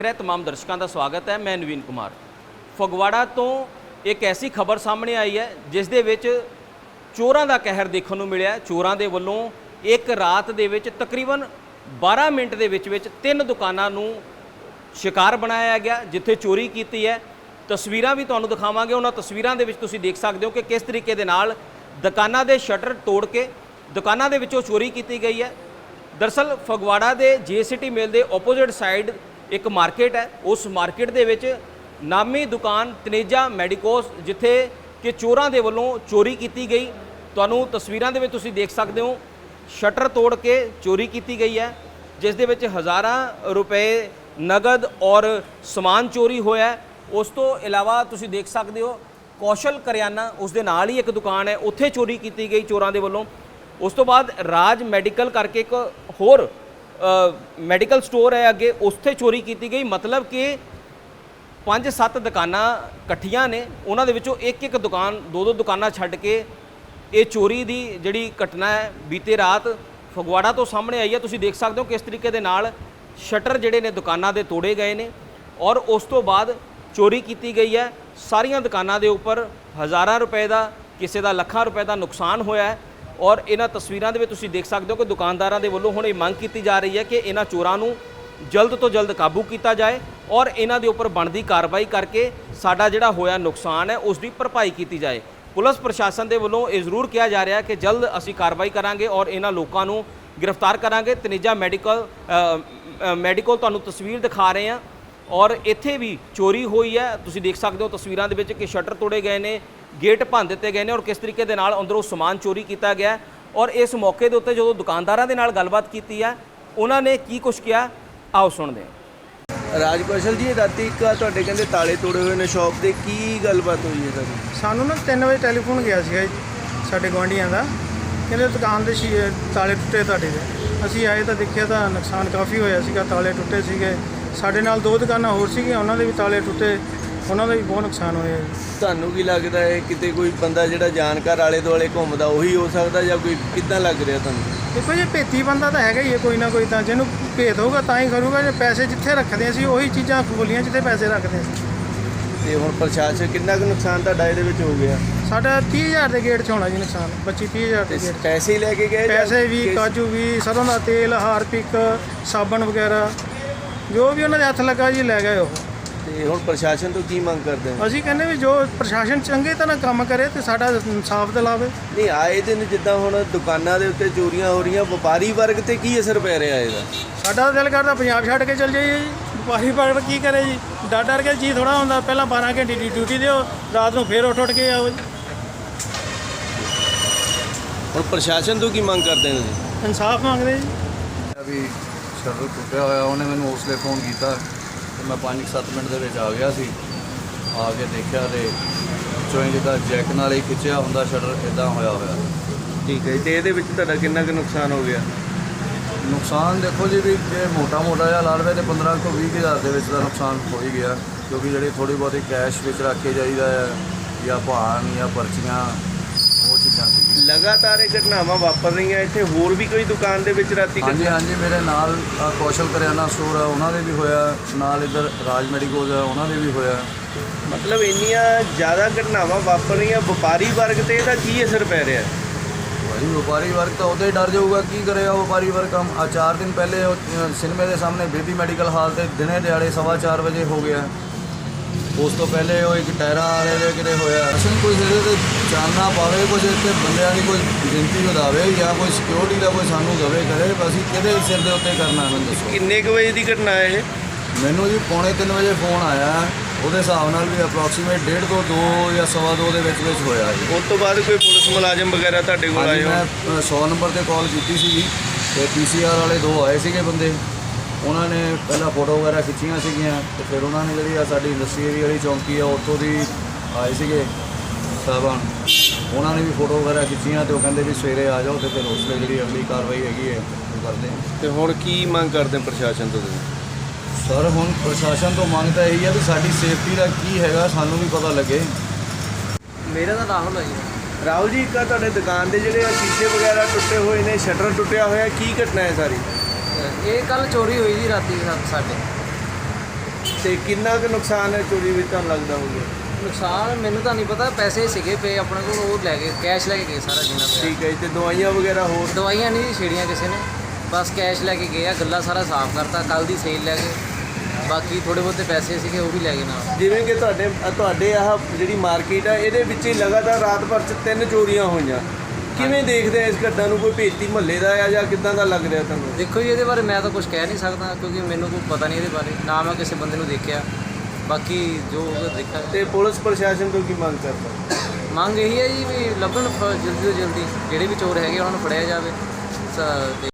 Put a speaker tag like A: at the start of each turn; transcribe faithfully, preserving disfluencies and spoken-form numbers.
A: मेरे तमाम दर्शकों का स्वागत है। मैं नवीन कुमार। फगवाड़ा तो एक ऐसी खबर सामने आई है जिस दे विच चोरां दा कहर देखने को मिलिया। चोरां दे वल्लों एक रात दे विच तकरीबन बारह मिनट दे विच विच तीन दुकानां नूं शिकार बनाया गया जिथे चोरी की है। तस्वीरां भी तुहानूं दिखावांगे। उन्हां तस्वीरां दे विच तुसीं देख सकदे हो कि किस तरीके दे नाल दुकानां दे शटर तोड़ के दुकानां दे विचों चोरी की गई है। दरअसल फगवाड़ा दे जे सिटी मेल दे ओपोजिट साइड एक मार्केट है। उस मार्केट दे विच नामी दुकान तनेजा मैडिकोस जिथे कि चोरां दे वल्लों चोरी की गई। तुहानूं तस्वीरां दे विच तुसीं देख सकदे हो शटर तोड़ के चोरी की गई है जिस दे विच हज़ारां रुपए नगद और समान चोरी होया है। उस तो इलावा तुसीं देख सकदे हो कौशल करियाना उस दे नाल ही एक दुकान है, उत्थे चोरी की गई चोरां दे वल्लों। उस तो बाद राज मैडिकल करके एक होर मैडिकल स्टोर है अगे, उत्थे चोरी की गई। मतलब कि पांच सत्त दुकानां इकट्ठियां ने, उन्हां दे विचों एक एक दुकान दो दो दुकानां छड्ड के ये चोरी दी जिहड़ी घटना है बीते रात फगवाड़ा तो सामने आई है। तुसीं देख सकदे हो किस तरीके दे नाल शटर जिहड़े ने दुकानां दे तोड़े गए ने और उस तो बाद चोरी की गई है। सारियां दुकानां दे उपर हज़ारां रुपए का किसी का लखां रुपए का नुकसान होया है। और इन्हां तस्वीरां दे विच तुसीं देख सकदे हो कि दुकानदारां दे वल्लों हुण मंग की जा रही है कि इन्हां चोरां नूं जल्द तो जल्द काबू किया जाए और इन्हां दे उपर बनदी कार्रवाई करके साडा जिहड़ा होया नुकसान है उसकी भरपाई की जाए। पुलिस प्रशासन के वल्लों ये जरूर कहा जा रहा है कि जल्द असीं कार्रवाई करांगे और इन्हां लोकां नूं गिरफ्तार करांगे। तनेजा मैडिकल मैडिकल तुहानूं तस्वीर दिखा रहे हैं और इत्थे भी चोरी हुई है। तुसीं देख सकते हो तस्वीरां दे विच कि शटर तोड़े गए ने, गेट भंन दिते गए ने और किस तरीके दे नाल अंदरों समान चोरी किया गया। और इस मौके के उत्ते जो दुकानदारां दे नाल गलबात की है उन्होंने की कुछ किया, आओ सुनते हैं।
B: राज कौशल जी राती एक ਤੁਹਾਡੇ ਕਹਿੰਦੇ ਤਾਲੇ ਤੋੜੇ ਹੋਏ ਨੇ ਸ਼ਾਪ ਦੇ, ਕੀ ਗੱਲਬਾਤ ਹੋਈ ਹੈ ਸਾਡੀ?
C: ਸਾਨੂੰ ਨਾ ਤਿੰਨ ਵਜੇ ਟੈਲੀਫੋਨ ਗਿਆ ਸੀਗਾ ਸਾਡੇ ਗੁਆਂਢੀਆਂ ਦਾ, ਕਹਿੰਦੇ ਦੁਕਾਨ ਦੇ ਸ਼ੀ ਤਾਲੇ ਟੁੱਟੇ ਤੁਹਾਡੇ ਦੇ। ਅਸੀਂ ਆਏ ਤਾਂ ਦੇਖਿਆ ਤਾਂ ਨੁਕਸਾਨ ਕਾਫੀ ਹੋਇਆ ਸੀਗਾ, ਤਾਲੇ ਟੁੱਟੇ ਸੀਗੇ। ਸਾਡੇ ਨਾਲ ਦੋ ਦੁਕਾਨਾਂ ਹੋਰ ਸੀਗੀਆਂ ਉਹਨਾਂ ਦੇ ਵੀ ਤਾਲੇ ਟੁੱਟੇ, ਉਹਨਾਂ ਦਾ ਵੀ ਬਹੁਤ ਨੁਕਸਾਨ ਹੋਇਆ ਜੀ।
B: ਤੁਹਾਨੂੰ ਕੀ ਲੱਗਦਾ ਹੈ ਕਿਤੇ ਕੋਈ ਬੰਦਾ ਜਿਹੜਾ ਜਾਣਕਾਰ ਆਲੇ ਦੁਆਲੇ ਘੁੰਮਦਾ ਉਹੀ ਹੋ ਸਕਦਾ ਜਾਂ ਕੋਈ ਕਿੱਦਾਂ ਲੱਗ ਰਿਹਾ ਤੁਹਾਨੂੰ?
C: ਦੇਖੋ ਜੀ ਭੇਤੀ ਬੰਦਾ ਤਾਂ ਹੈਗਾ ਹੀ ਹੈ ਕੋਈ ਨਾ ਕੋਈ, ਤਾਂ ਜਿਹਨੂੰ ਭੇਤ ਹੋਊਗਾ ਤਾਂ ਹੀ ਕਰੂਗਾ। ਜੇ ਪੈਸੇ ਜਿੱਥੇ ਰੱਖਦੇ ਅਸੀਂ ਉਹੀ ਚੀਜ਼ਾਂ ਖੋਲੀਆਂ ਜਿੱਥੇ ਪੈਸੇ ਰੱਖਦੇ ਅਸੀਂ।
B: ਤੇ ਹੁਣ ਪ੍ਰਸ਼ਾਸਨ ਕਿੰਨਾ ਕੁ ਨੁਕਸਾਨ ਤੁਹਾਡਾ ਇਹਦੇ ਵਿੱਚ ਹੋ ਗਿਆ?
C: ਸਾਡਾ ਤੀਹ ਹਜ਼ਾਰ ਦੇ ਗੇਟ 'ਚ ਹੋਣਾ ਜੀ ਨੁਕਸਾਨ, ਪੱਚੀ ਤੀਹ ਹਜ਼ਾਰ ਦੇ ਗੇਟ।
B: ਪੈਸੇ ਹੀ ਲੈ ਕੇ ਗਏ?
C: ਪੈਸੇ ਵੀ, ਕਾਜੂ ਵੀ, ਸਰੋਂ ਦਾ ਤੇਲ, ਹਾਰਪਿਕ, ਸਾਬਣ ਵਗੈਰਾ ਜੋ ਵੀ ਉਹਨਾਂ ਦੇ ਹੱਥ ਲੱਗਾ ਜੀ ਲੈ ਗਏ ਉਹ।
B: ਤੇ ਹੁਣ ਪ੍ਰਸ਼ਾਸਨ ਤੋਂ ਕੀ ਮੰਗ ਕਰਦੇ ਹੋ?
C: ਅਸੀਂ ਕਹਿੰਦੇ ਵੀ ਜੋ ਪ੍ਰਸ਼ਾਸਨ ਚੰਗੇ ਤਰ੍ਹਾਂ ਕੰਮ ਕਰੇ ਤੇ ਸਾਡਾ ਇਨਸਾਫ ਦਿਲਾਵੇ।
B: ਨਹੀਂ ਆਏ ਦਿਨ ਜਿੱਦਾਂ ਹੁਣ ਦੁਕਾਨਾਂ ਦੇ ਉੱਤੇ ਚੋਰੀਆਂ ਹੋ ਰਹੀਆਂ, ਵਪਾਰੀ ਵਰਗ ਤੇ ਕੀ ਅਸਰ ਪੈ ਰਿਹਾ ਇਹਦਾ?
C: ਸਾਡਾ ਦਿਲ ਕਰਦਾ ਪੰਜਾਬ ਛੱਡ ਕੇ ਚੱਲ ਜਾਈਏ ਜੀ। ਵਪਾਰੀ ਵਰਗ ਕੀ ਕਰੇ ਜੀ, ਡਰ ਡਰ ਕੇ ਜੀ ਥੋੜ੍ਹਾ ਹੁੰਦਾ। ਪਹਿਲਾਂ ਬਾਰਾਂ ਘੰਟੇ ਦੀ ਡਿਊਟੀ ਦਿਓ, ਰਾਤ ਨੂੰ ਫੇਰ ਉੱਠ ਉੱਠ ਕੇ ਆਓ ਜੀ।
B: ਹੁਣ ਪ੍ਰਸ਼ਾਸਨ ਤੋਂ ਕੀ ਮੰਗ ਕਰਦੇ ਨੇ ਜੀ?
C: ਇਨਸਾਫ ਮੰਗਦੇ ਜੀ।
D: ਵੀ ਸ਼ਟਰ ਟੁੱਟਿਆ ਹੋਇਆ, ਉਹਨੇ ਮੈਨੂੰ ਉਸ ਲਈ ਫੋਨ ਕੀਤਾ ਤੇ ਮੈਂ ਪੰਜ ਸੱਤ ਮਿੰਟ ਦੇ ਵਿੱਚ ਆ ਗਿਆ ਸੀ। ਆ ਕੇ ਦੇਖਿਆ ਤੇ ਚੋਂ ਜਿੱਦਾਂ ਜੈਕ ਨਾਲ ਹੀ ਖਿੱਚਿਆ ਹੁੰਦਾ ਸ਼ਟਰ, ਇੱਦਾਂ ਹੋਇਆ ਹੋਇਆ।
B: ਠੀਕ ਹੈ ਜੀ। ਤੇ ਇਹਦੇ ਵਿੱਚ ਤੁਹਾਡਾ ਕਿੰਨਾ ਕੁ ਨੁਕਸਾਨ ਹੋ ਗਿਆ?
D: ਨੁਕਸਾਨ ਦੇਖੋ ਜੀ ਵੀ ਜੇ ਮੋਟਾ ਮੋਟਾ ਜਿਹਾ ਲਾ ਲਵੇ ਤੇ ਪੰਦਰਾਂ ਤੋਂ ਵੀਹ ਹਜ਼ਾਰ ਦੇ ਵਿੱਚ ਦਾ ਨੁਕਸਾਨ ਹੋ ਹੀ ਗਿਆ, ਕਿਉਂਕਿ ਜਿਹੜੀ ਥੋੜ੍ਹੀ ਬਹੁਤੀ ਕੈਸ਼ ਵਿੱਚ ਰੱਖ ਕੇ ਜਾਈਦਾ ਹੈ ਜਾਂ ਭਾਣ ਜਾਂ ਪਰਚੀਆਂ ਉਹ ਚੀਜ਼ਾਂ ਸੀਗੀਆਂ।
B: ਲਗਾਤਾਰ ਇਹ ਘਟਨਾਵਾਂ ਵਾਪਰ ਰਹੀਆਂ ਇੱਥੇ। ਹੋਰ ਵੀ ਕੋਈ ਦੁਕਾਨ ਦੇ ਵਿੱਚ ਰਾਤੀ?
D: ਹਾਂਜੀ ਹਾਂਜੀ, ਮੇਰੇ ਨਾਲ ਆਹ ਕੌਸ਼ਲ ਕਰਿਆਨਾ ਸਟੋਰ ਆ ਉਹਨਾਂ ਦੇ ਵੀ ਹੋਇਆ, ਨਾਲ ਇੱਧਰ ਰਾਜ ਮੈਡੀਕੋਜ਼ ਆ ਉਹਨਾਂ ਦੇ ਵੀ ਹੋਇਆ।
B: ਮਤਲਬ ਇੰਨੀਆਂ ਜ਼ਿਆਦਾ ਘਟਨਾਵਾਂ ਵਾਪਰ ਰਹੀਆਂ, ਵਪਾਰੀ ਵਰਗ ਤੇ ਇਹਦਾ ਕੀ ਅਸਰ ਪੈ ਰਿਹਾ?
D: ਭਾਈ ਵਪਾਰੀ ਵਰਗ ਤਾਂ ਉਦੋਂ ਹੀ ਡਰ ਜਾਊਗਾ, ਕੀ ਕਰੇਗਾ ਵਪਾਰੀ ਵਰਗ। ਕੰਮ ਆ ਚਾਰ ਦਿਨ ਪਹਿਲੇ ਸਿਨੇਮੇ ਦੇ ਸਾਹਮਣੇ ਬੇਦੀ ਮੈਡੀਕਲ ਹਾਲ ਤੇ ਦਿਨੇ ਦਿਹਾੜੇ ਸਵਾ ਚਾਰ ਵਜੇ ਹੋ ਗਿਆ। ਉਸ ਤੋਂ ਪਹਿਲੇ ਉਹ ਇੱਕ ਟਾਇਰਾਂ ਵਾਲੇ ਦੇ ਕਿਤੇ ਹੋਇਆ। ਅਸੀਂ ਕੋਈ ਇਹਦੇ 'ਤੇ ਚਾਨਣਾ ਪਾਵੇ, ਕੁਝ ਇੱਥੇ ਬੰਦਿਆਂ ਦੀ ਕੋਈ ਗਿਣਤੀ ਵਧਾਵੇ ਜਾਂ ਕੋਈ ਸਿਕਿਉਰਿਟੀ ਦਾ ਕੋਈ ਸਾਨੂੰ ਦਵੇ ਕਰੇ, ਅਸੀਂ ਕਿਹਦੇ ਸਿਰ ਦੇ ਉੱਤੇ ਕਰਨਾ ਮੈਨੂੰ ਦੱਸੋ।
B: ਕਿੰਨੇ ਕੁ ਵਜੇ ਦੀ ਘਟਨਾ ਹੈ ਇਹ?
D: ਮੈਨੂੰ ਜੀ ਪੌਣੇ ਤਿੰਨ ਵਜੇ ਫੋਨ ਆਇਆ, ਉਹਦੇ ਹਿਸਾਬ ਨਾਲ ਵੀ ਅਪਰੋਕਸੀਮੇਟ ਡੇਢ ਤੋਂ ਦੋ ਜਾਂ ਸਵਾ ਦੋ ਦੇ ਵਿੱਚ ਵਿੱਚ ਹੋਇਆ ਜੀ।
B: ਉਸ ਤੋਂ ਬਾਅਦ ਕੋਈ ਪੁਲਿਸ ਮੁਲਾਜ਼ਮ ਵਗੈਰਾ ਤੁਹਾਡੇ ਕੋਲ ਆਏ?
D: ਮੈਂ ਸੌ ਨੰਬਰ 'ਤੇ ਕਾਲ ਕੀਤੀ ਸੀ ਜੀ ਅਤੇ ਪੀ ਸੀ ਆਰ ਵਾਲੇ ਦੋ ਆਏ ਸੀਗੇ ਬੰਦੇ। ਉਹਨਾਂ ਨੇ ਪਹਿਲਾਂ ਫੋਟੋ ਵਗੈਰਾ ਖਿੱਚੀਆਂ ਸੀਗੀਆਂ ਤੇ ਫਿਰ ਉਹਨਾਂ ਨੇ ਜਿਹੜੀ ਆ ਸਾਡੀ ਇੰਡਸਟਰੀ ਏਰੀਆ ਵਾਲੀ ਚੌਂਕੀ ਆ ਉੱਥੋਂ ਦੀ ਆਏ ਸੀਗੇ ਸਾਹਿਬਾਨ, ਉਹਨਾਂ ਨੇ ਵੀ ਫੋਟੋ ਵਗੈਰਾ ਖਿੱਚੀਆਂ ਤੇ ਉਹ ਕਹਿੰਦੇ ਵੀ ਸਵੇਰੇ ਆ ਜਾਓ ਤੇ ਫਿਰ ਉਸ ਲਈ ਜਿਹੜੀ ਅਗਲੀ ਕਾਰਵਾਈ ਹੈਗੀ ਹੈ ਉਹ ਕਰਦੇ ਹਾਂ।
B: ਤੇ ਹੁਣ ਕੀ ਮੰਗ ਕਰਦੇ ਪ੍ਰਸ਼ਾਸਨ ਤੋਂ?
D: ਸਰ ਹੁਣ ਪ੍ਰਸ਼ਾਸਨ ਤੋਂ ਮੰਗ ਤਾਂ ਇਹੀ ਆ ਵੀ ਸਾਡੀ ਸੇਫਟੀ ਦਾ ਕੀ ਹੈਗਾ ਸਾਨੂੰ ਵੀ ਪਤਾ ਲੱਗੇ।
A: मेरा तो राहुल है जी।
B: ਰਾਹੁਲ ਜੀ, ਇੱਕ ਤੁਹਾਡੇ ਦੁਕਾਨ ਦੇ ਜਿਹੜੇ ਸ਼ੀਸ਼ੇ ਵਗੈਰਾ ਟੁੱਟੇ ਹੋਏ ਨੇ, ਸ਼ਟਰ ਟੁੱਟਿਆ ਹੋਇਆ, ਕੀ ਘਟਨਾ ਹੈ ਸਾਰੀ?
E: ਇਹ ਕੱਲ ਚੋਰੀ ਹੋਈ ਜੀ ਰਾਤੀ ਸਾਡੇ।
B: ਤੇ ਕਿੰਨਾ ਕੁ ਨੁਕਸਾਨ ਹੈ ਚੋਰੀ ਵਿੱਚ ਤੁਹਾਨੂੰ ਲੱਗਦਾ ਹੋਊਗਾ?
E: ਨੁਕਸਾਨ ਮੈਨੂੰ ਤਾਂ ਨਹੀਂ ਪਤਾ, ਪੈਸੇ ਸੀਗੇ ਪਏ ਆਪਣੇ ਕੋਲ, ਉਹ ਲੈ ਗਏ, ਕੈਸ਼ ਲੈ ਕੇ ਗਏ ਸਾਰਾ ਜਿੰਨਾ ਪਿਆ।
B: ਠੀਕ ਹੈ ਜੀ, ਤੇ ਦਵਾਈਆਂ ਵਗੈਰਾ ਹੋਰ?
E: ਦਵਾਈਆਂ ਨਹੀਂ ਛੇੜੀਆਂ ਕਿਸੇ ਨੇ, ਬਸ ਕੈਸ਼ ਲੈ ਕੇ ਗਏ ਆ, ਗੱਲਾ ਸਾਰਾ ਸਾਫ਼ ਕਰਤਾ, ਕੱਲ ਦੀ ਸੇਲ ਲੈ ਗਏ, ਬਾਕੀ ਥੋੜੇ ਬਹੁਤੇ ਪੈਸੇ ਸੀਗੇ ਉਹ ਵੀ ਲੈ ਗਏ ਨਾਲ।
B: ਜਿਵੇਂ ਕਿ ਤੁਹਾਡੇ ਤੁਹਾਡੇ ਆਹ ਜਿਹੜੀ ਮਾਰਕੀਟ ਆ ਇਹਦੇ ਵਿੱਚ ਹੀ ਲਗਾਤਾਰ ਰਾਤ ਭਰ ਚ ਤਿੰਨ ਚੋਰੀਆਂ ਹੋਈਆਂ, ਕਿਵੇਂ ਦੇਖਦੇ ਆ ਇਸ ਘਟਨਾ ਨੂੰ? ਕੋਈ ਭੇਤੀ ਮਹੱਲੇ ਦਾ ਆ ਜਾਂ ਕਿੱਦਾਂ ਦਾ ਲੱਗ ਰਿਹਾ ਤੁਹਾਨੂੰ?
E: ਦੇਖੋ ਜੀ, ਇਹਦੇ ਬਾਰੇ ਮੈਂ ਤਾਂ ਕੁਝ ਕਹਿ ਨਹੀਂ ਸਕਦਾ ਕਿਉਂਕਿ ਮੈਨੂੰ ਕੋਈ ਪਤਾ ਨਹੀਂ ਇਹਦੇ ਬਾਰੇ, ਨਾ ਮੈਂ ਕਿਸੇ ਬੰਦੇ ਨੂੰ ਦੇਖਿਆ, ਬਾਕੀ ਜੋ ਦੇਖਿਆ।
B: ਤੇ ਪੁਲਿਸ ਪ੍ਰਸ਼ਾਸਨ ਤੋਂ ਕੀ ਮੰਗ ਕਰਦਾ?
E: ਮੰਗ ਇਹੀ ਹੈ ਜੀ ਵੀ ਲੱਭਣ ਫ- ਜਲਦੀ ਤੋਂ ਜਲਦੀ ਜਿਹੜੇ ਵੀ ਚੋਰ ਹੈਗੇ ਉਹਨਾਂ ਨੂੰ ਫੜਿਆ ਜਾਵੇ। ਸ- ਤੇ